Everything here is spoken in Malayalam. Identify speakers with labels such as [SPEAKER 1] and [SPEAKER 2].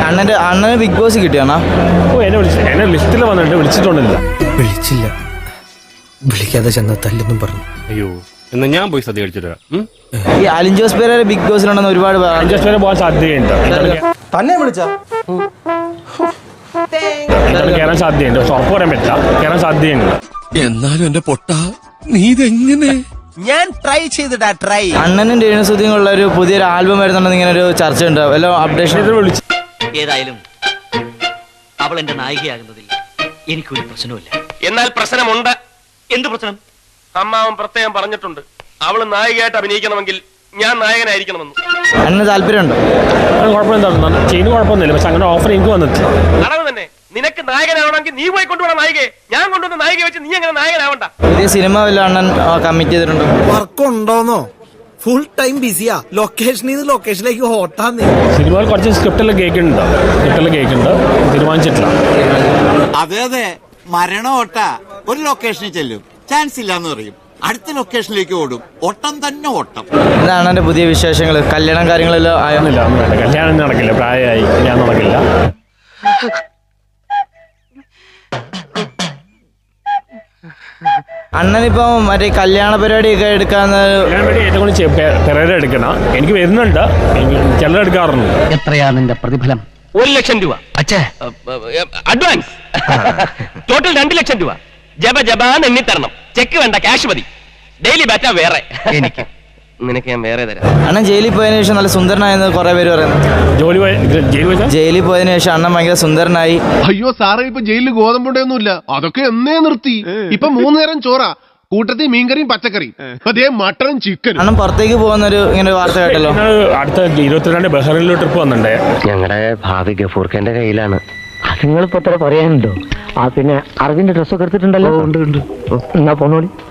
[SPEAKER 1] അണ്ണന് ബിഗ് ബോസ് കിട്ടിയാണോ?
[SPEAKER 2] എന്നെ ലിസ്റ്റിൽ വന്നിട്ട് വിളിച്ചിട്ടൊന്നുമില്ല.
[SPEAKER 3] വിളിച്ചില്ല, വിളിക്കാതെ ചെന്ന തല്ലെന്നും പറഞ്ഞു.
[SPEAKER 2] അയ്യോ, എന്നാ ഞാൻ പോയി സദ്യ കഴിച്ചിട്ട്
[SPEAKER 1] ഈ അലിൻ ജോസ് പെരേര ബിഗ് ബോസിലുണ്ടെന്ന് ഒരുപാട്
[SPEAKER 2] പോകാൻ സാധ്യതയുണ്ട്.
[SPEAKER 1] തന്നെ വിളിച്ച
[SPEAKER 2] കയറാൻ സാധ്യതയുണ്ട്, പക്ഷെ ഉറപ്പ് പറയാൻ പറ്റില്ല. കയറാൻ സാധ്യതയുണ്ട്.
[SPEAKER 4] എന്നാലും എന്റെ പൊട്ട നീ ഇതെങ്ങനെ?
[SPEAKER 5] ഞാൻ ട്രൈ ചെയ്തിട്ടാ ട്രൈ.
[SPEAKER 1] അണ്ണനും രേണുസുധിയും ഉള്ള ഒരു പുതിയൊരു ആൽബം വരുന്നുണ്ടെന്ന് ഇങ്ങനെ ഒരു ചർച്ച ഉണ്ട്. വല്ല അപ്ഡേഷൻ?
[SPEAKER 6] ഏതായാലും അവൾ എന്റെ നായികയാകുന്നതിൽ എനിക്കൊരു പ്രശ്നവുമില്ല.
[SPEAKER 7] എന്നാൽ പ്രശ്നമുണ്ട്.
[SPEAKER 6] എന്ത് പ്രശ്നം?
[SPEAKER 7] അമ്മാവൻ പ്രത്യേകം പറഞ്ഞിട്ടുണ്ട്, അവള് നായികയായിട്ട് അഭിനയിക്കണമെങ്കിൽ ഞാൻ നായകനായിരിക്കണമെന്ന്.
[SPEAKER 1] അണ്ണന് താല്പര്യമുണ്ടോ?
[SPEAKER 2] കുഴപ്പമെന്താണ്, ചെയ്യുന്ന കുഴപ്പമൊന്നുമില്ല, പക്ഷെ അങ്ങനെ ഓഫർ എനിക്ക് വന്നിട്ടില്ല.
[SPEAKER 7] അളവ് തന്നെ. നിനക്ക് നായകനാവണമെങ്കിൽ നീ പോയി കൊണ്ടുപോകണം നായികയെ. ഞാൻ കൊണ്ടുവന്ന നായികയെ വെച്ച് നീ അങ്ങനെ നായകനാവണ്ട.
[SPEAKER 1] പുതിയ സിനിമ വല്ല അണ്ണൻ കമ്മിറ്റ് ചെയ്തിട്ടുണ്ടോ?
[SPEAKER 5] വർക്കുണ്ടോന്നോ? ഫുൾ ടൈം ബിസിയാ. ലൊക്കേഷനിൽ നിന്ന് ലൊക്കേഷനിലേക്ക് ഓട്ടാന്ന്.
[SPEAKER 2] സിനിമയിൽ കുറച്ച് സ്ക്രിപ്റ്റെല്ലാം കേൾക്കുന്നുണ്ട്, തീരുമാനിച്ചിട്ടില്ല.
[SPEAKER 8] അതെ അതെ, മരണം ഓട്ട. ഒരു ലൊക്കേഷനിൽ ചെല്ലും, ചാൻസ് ഇല്ലാന്ന് പറയും, അടുത്ത ലൊക്കേഷനിലേക്ക് ഓടും, ഓട്ടം തന്നെ ഓട്ടം.
[SPEAKER 1] എന്താണ് എന്റെ പുതിയ വിശേഷങ്ങൾ? കല്യാണം കാര്യങ്ങളെല്ലാം ആയൊന്നുമില്ല?
[SPEAKER 2] ഒന്നും വേണ്ട, കല്യാണം നടക്കില്ല, പ്രായമായി, കല്യാണം നടക്കില്ല.
[SPEAKER 1] അണ്ണനിപ്പോ മറ്റേ കല്യാണ പരിപാടിയൊക്കെ എടുക്കാന്ന്
[SPEAKER 2] ഏറ്റവും കൂടുതൽ പെരേര എടുക്കണം. എനിക്ക് വരുന്നുണ്ട്, ചിലരെടുക്കാറുണ്ട്.
[SPEAKER 6] എത്രയാ നിന്റെ പ്രതിഫലം?
[SPEAKER 7] 1,00,000 രൂപ അഡ്വാൻസ്. ടോട്ടൽ 2,00,000 രൂപ. ജബാന്ന് എണ്ണി തരണം. ചെക്ക് വേണ്ട, ക്യാഷ് മതി. ഡെയിലി ബാറ്റ വേറെ. എനിക്ക് നിനക്ക് ഞാൻ വേറെ തരാം.
[SPEAKER 1] അണ്ണൻ ജയിലിൽ പോയതിനു ശേഷം നല്ല സുന്ദരനായെന്ന് കുറെ പേര് പറയുന്നു. ജയിലിൽ പോയതിനു ശേഷം അണ്ണൻ ഭയങ്കര സുന്ദരനായി.
[SPEAKER 9] അയ്യോ സാറേ, ഇപ്പൊ ജയിലിൽ ഗോതമ്പുണ്ടൊന്നുമില്ല, അതൊക്കെ എന്നേ നിർത്തി. ഇപ്പൊ 3 നേരം ചോറാ, കൂട്ടത്തിൽ മീൻകറിയും പച്ചക്കറിയും, അതേ മട്ടനും ചിക്കനും.
[SPEAKER 1] അണ്ണൻ പുറത്തേക്ക് പോകുന്നൊരു ഇങ്ങനെ വാർത്ത കേട്ടല്ലോ.
[SPEAKER 2] അടുത്ത 22 ബഹ്റൈനിൽ ട്രിപ്പ് വന്നിട്ടുണ്ടേ.
[SPEAKER 10] ഞങ്ങളുടെ ഭാവി ഗഫൂർഖാന്റെ കയ്യിലാണ്. നിങ്ങളിപ്പോ പറയാനുണ്ടോ? പിന്നെ അറബിന്റെ ഡ്രസ്സൊക്കെ എടുത്തിട്ടുണ്ടല്ലോ. ഉണ്ട്. എന്നാ പോന്നോളി.